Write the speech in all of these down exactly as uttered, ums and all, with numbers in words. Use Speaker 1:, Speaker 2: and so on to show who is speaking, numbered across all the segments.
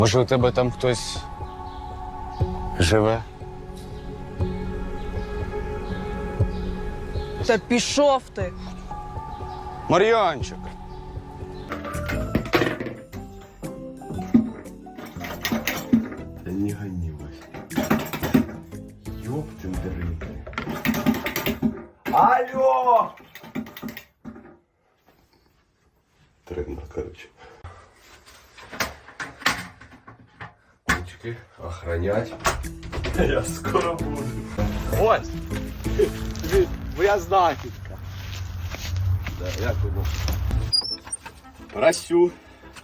Speaker 1: Може, у тебе там хтось живе?
Speaker 2: Та пішов ти.
Speaker 1: Мар'янчик!
Speaker 3: Да не гони, Вась. Ёптин дрыгай. Алло! Трендер, короче. Ручки охранять. Я скоро буду.
Speaker 4: Ось! Моя знахідка.
Speaker 3: Да, як воно? Просю.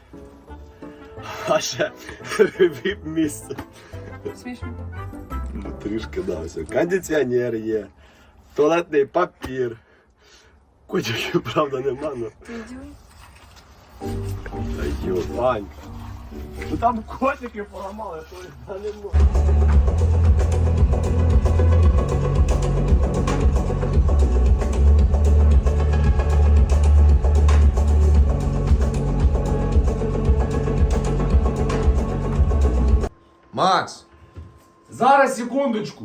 Speaker 4: А ще віп місце.
Speaker 2: Смішно.
Speaker 3: Ну, трішки, да, все. Кондиціонер є. Туалетний папір. Котиків, правда, нема, но... Та йо, Ванька. Ну там котики поламали, то я не можу.
Speaker 5: Макс!
Speaker 6: Зараз, секундочку.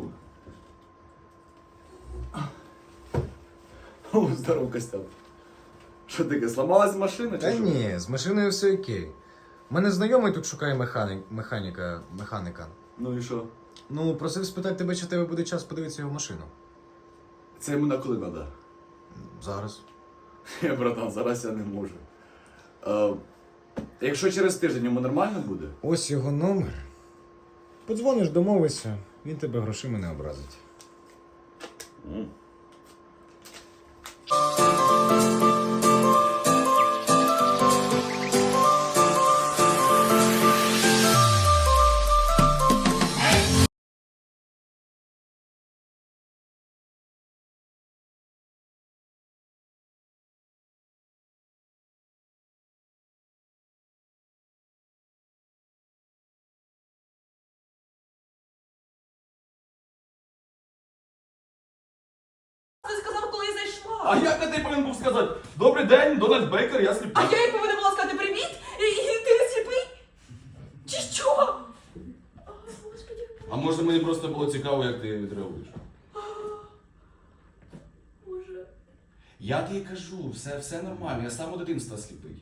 Speaker 6: О, здоров, Костян. Що таке, сломалась машина чи
Speaker 5: Та
Speaker 6: що?
Speaker 5: ні, з машиною все окей. У мене знайомий тут шукає механік, механіка, механіка.
Speaker 6: Ну і що?
Speaker 5: Ну, просив спитати тебе, чи в тебе буде час подивитися його машину.
Speaker 6: Це йому на коли треба?
Speaker 5: Зараз.
Speaker 6: Я, братан, зараз я не можу. Е, якщо через тиждень йому нормально буде?
Speaker 5: Ось його номер. Подзвониш, домовишся, він тебе грошима не образить.
Speaker 6: Mm.
Speaker 2: Ти сказав, коли я зайшла.
Speaker 6: А як ти повинен був сказати? Добрий день, Дональд Бейкер, я сліпий.
Speaker 2: А я їй повинна була сказати привіт, і, і ти не сліпий? Чи що? А, Господи.
Speaker 6: А може мені просто було цікаво, як ти відреагуєш?
Speaker 2: Боже.
Speaker 6: Я тобі кажу, все, все нормально, я з самого дитинства сліпий.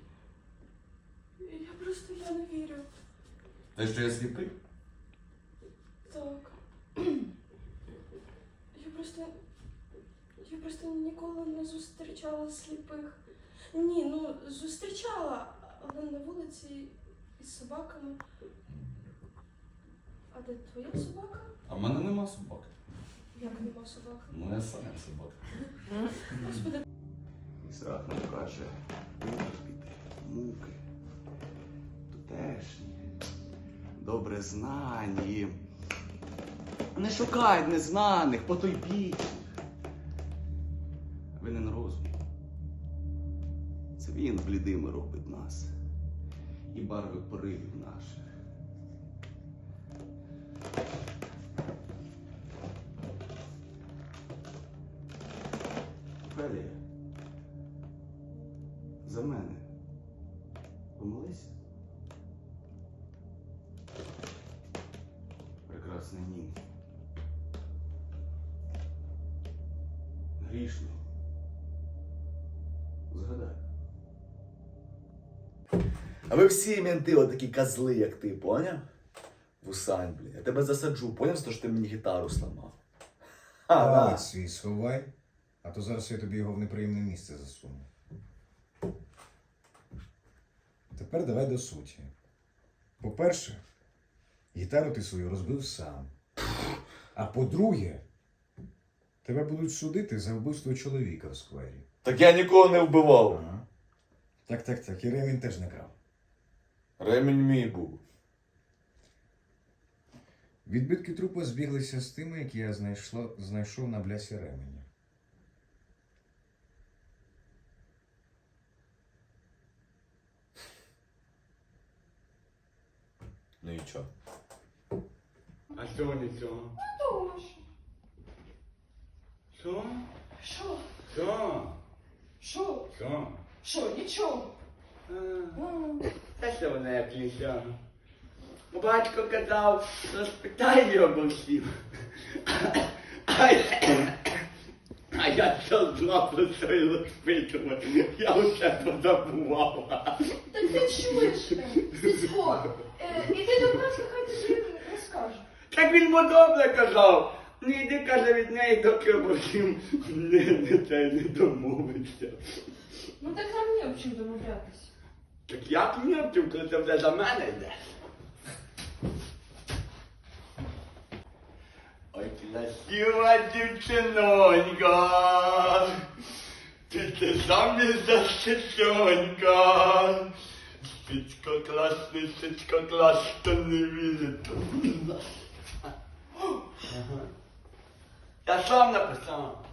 Speaker 2: Я просто я не вірю.
Speaker 6: Та що я сліпий?
Speaker 2: Так. Я просто. Я просто ніколи не зустрічала сліпих. Ні, ну зустрічала, але на вулиці із собаками. А де твоя собака?
Speaker 6: А в мене нема собаки.
Speaker 2: Як нема собаки?
Speaker 6: Ну я сам як собака.
Speaker 2: Господи.
Speaker 3: І страх нам каже, витерпіти муки, тутешні, добре знані. Не шукай незнаних, потойбічних. Винен розум. Це він блідими робить нас і барви поривів наших. Фелія, за мене помолись. Прекрасна ні. Грішний. Згадай.
Speaker 4: А ви всі менти отакі козли, як ти, поняв? Вусань, блін. Я тебе засаджу, поняв, що ти мені гітару сламав? А,
Speaker 5: Палець
Speaker 4: да.
Speaker 5: свій сховай, а то зараз я тобі його в неприємне місце засуну. Тепер давай до суті. По-перше, гітару ти свою розбив сам. А по-друге, тебе будуть судити за вбивство чоловіка в сквері.
Speaker 4: Так я нікого не вбивав.
Speaker 5: Ага. Так, так, так. І ремінь теж не крав.
Speaker 4: Ремінь мій був.
Speaker 5: Відбитки трупа збіглися з тими, які я знайшла, знайшов на блясі ременя.
Speaker 4: Ну і чо?
Speaker 6: А що нічого?
Speaker 2: Тож.
Speaker 6: Що?
Speaker 2: Що?
Speaker 6: Що?
Speaker 2: Що?
Speaker 6: Що?
Speaker 2: Що? Нічого.
Speaker 6: А що вона як ліся?
Speaker 7: Батько казав, розпитай його обо всім. А я, а я що знав про це і розпитував. Я усе позабував.
Speaker 2: Так ти чуєш, Стецько, е, іди до батька, хай тобі розкаже.
Speaker 7: Так він йому добре казав. Не йди, каже, від неї, доки обо всім не, не, не, не домовиться.
Speaker 2: Ну так нам не об чим домовлятися.
Speaker 7: Так як мені обчув, коли це вже за мене йде? Ой, красива дівчинонька, ти це заміж за щечонька. Стецько класний, Стецько клас, хто не вірить, то не нас. Я сам написав.